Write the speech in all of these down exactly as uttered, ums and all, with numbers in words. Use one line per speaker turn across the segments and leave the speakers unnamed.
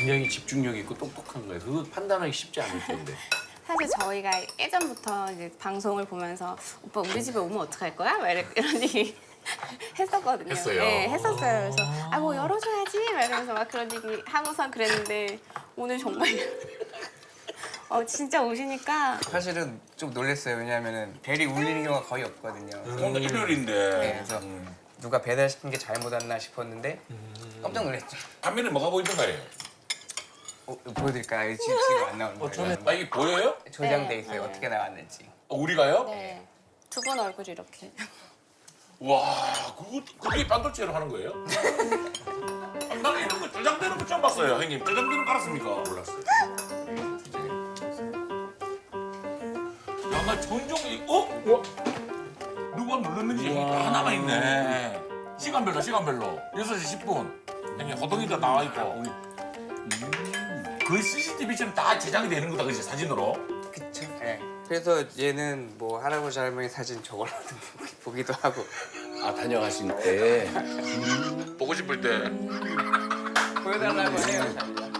굉장히 집중력 있고 똑똑한 거예요. 그거 판단하기 쉽지 않을 텐데.
사실 저희가 예전부터 이제 방송을 보면서 오빠 우리 집에 오면 어떡할 거야? 막 이렇게 이런 얘기 했었거든요.
했어요?
네, 했었어요. 그래서 아 뭐 열어줘야지 막 이러면서 막 그런 얘기 하고선 그랬는데 오늘 정말 어 진짜 오시니까
사실은 좀 놀랐어요. 왜냐하면 벨이 울리는 경우가 거의 없거든요.
오늘 일요일인데.
네, 그래서 누가 배달시킨 게 잘못 왔나 싶었는데 깜짝 놀랐죠.
화면에 뭐가 보이던가요?
어, 보여드릴까요? 지금, 지금 안 나오는 거예요.
처음에
아 이게 보여요?
조장돼
네,
있어요.
네.
어떻게 나왔는지.
어, 우리가요?
네. 두 분 얼굴이 이렇게
와, 그거 그게 반도체로 하는 거예요? 아, 난 이런 거 저장되는 거 처음 봤어요, 형님. 저장되는 거 알았습니까? 몰랐어요. 야, 나 전종 이 어? 누가 눌렀는지 여기 다 남아 있네. 시간별로, 시간별로. 여섯 시 십 분. 형님 호동이도 나와 있고. 음, 거의 씨씨티비처럼 다 제작이 되는 거다, 그치 사진으로?
그쵸. 네. 그래서 얘는 뭐 할아버지 할머니 사진 저걸로도 보기도 하고.
아 다녀가신 때.
보고 싶을 때.
보여달라고 해요.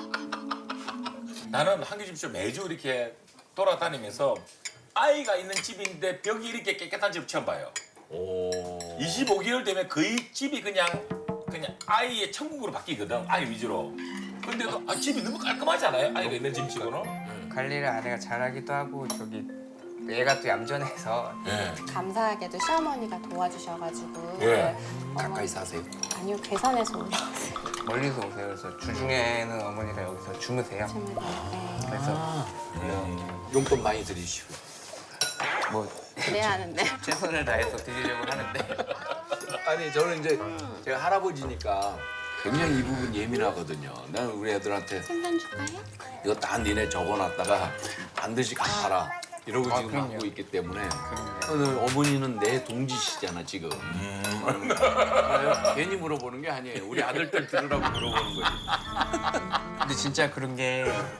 나는 한규집쇼 매주 이렇게 돌아다니면서 아이가 있는 집인데 벽이 이렇게 깨끗한 집 처음 봐요.
오.
이십오 개월 되면 거의 집이 그냥 그냥 아이의 천국으로 바뀌거든. 아이 위주로. 근데도 아, 집이 너무 깔끔하지 않아요? 아이가 있는 집 치고는.
관리를 아내가 잘하기도 하고 저기 얘가 또 얌전해서
예.
감사하게도 시어머니가 도와주셔가지고
예.
가까이 사세요.
아니요 괴산에서 올라왔어요.
멀리서 오세요. 그래서 주중에는 어머니가 여기서 주무세요.
네.
그래서
용돈 많이 드리시고.
뭐
그래야 하는데
최선을 다해서 드리려고 하는데
아니 저는 이제 제가 할아버지니까 굉장히 이 부분 예민하거든요. 나는 우리 애들한테
생선 줄까요?
이거 다 니네 적어놨다가 반드시 갚아라. 이러고
아,
지금
그럼요.
하고 있기 때문에
그럼요.
오늘 어머니는 내 동지시잖아 지금.
음.
아, 괜히 물어보는 게 아니에요. 우리 아들들 들으라고 물어보는 거지.
근데 진짜 그런 게